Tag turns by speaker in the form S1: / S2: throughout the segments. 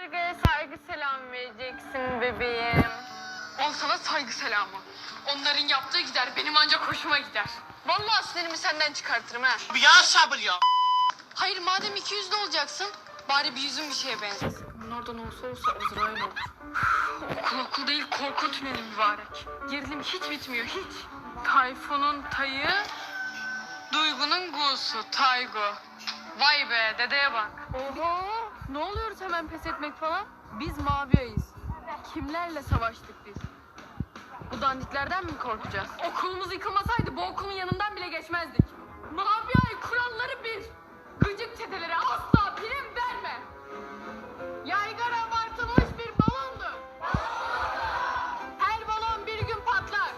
S1: Saygı selam vereceksin bebeğim.
S2: Al sana saygı selamı. Onların yaptığı gider, benim ancak hoşuma gider. Vallahi sinirimi senden çıkartırım ha.
S3: Ya sabır ya.
S2: Hayır, madem 200'lü olacaksın, bari bir yüzün bir şeye benzesin. Bunlardan olsa Azrail olur. Okul değil, korku tüneli mübarek. Gerilim hiç bitmiyor, hiç. Tayfun'un tayı, Duygu'nun gu'su, Taygu. Vay be, dedeye bak.
S1: Oho.
S2: Ne oluyoruz hemen pes etmek falan? Biz mavi ayız. Kimlerle savaştık biz? Bu dandiklerden mi korkacağız? Okulumuz yıkılmasaydı bu okulun yanından bile geçmezdik. Mavi ay kuralları bir. Gıcık çetelere asla prim verme. Yaygara abartılmış bir balondur. Her balon bir gün patlar.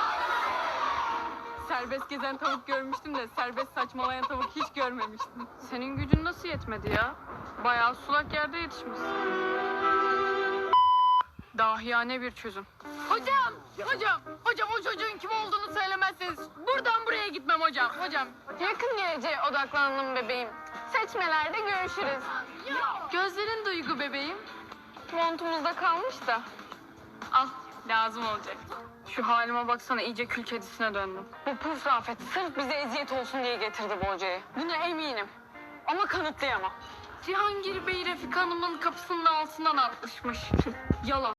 S2: Serbest gezen tavuk görmüştüm de serbest saçmalayan tavuk hiç görmemiştim. Senin gücün nasıl yetmedi ya? Bayağı sulak yerde yetişmişsin. Dahiyane bir çözüm. Hocam o çocuğun kim olduğunu söylemezseniz buradan buraya gitmem hocam.
S1: Yakın geleceğe odaklanalım bebeğim. Seçmelerde görüşürüz.
S2: Gözlerin Duygu bebeğim.
S1: Montumuzda kalmış da.
S2: Al, lazım olacak. Şu halime baksana, iyice kül kedisine döndüm.
S1: Bu puf Rafet sırf bize eziyet olsun diye getirdi bu hocayı. Buna eminim. Ama kanıtlayamam.
S2: Cihangir Bey Refika Hanım'ın kapısının altından atmışmış. Yalan.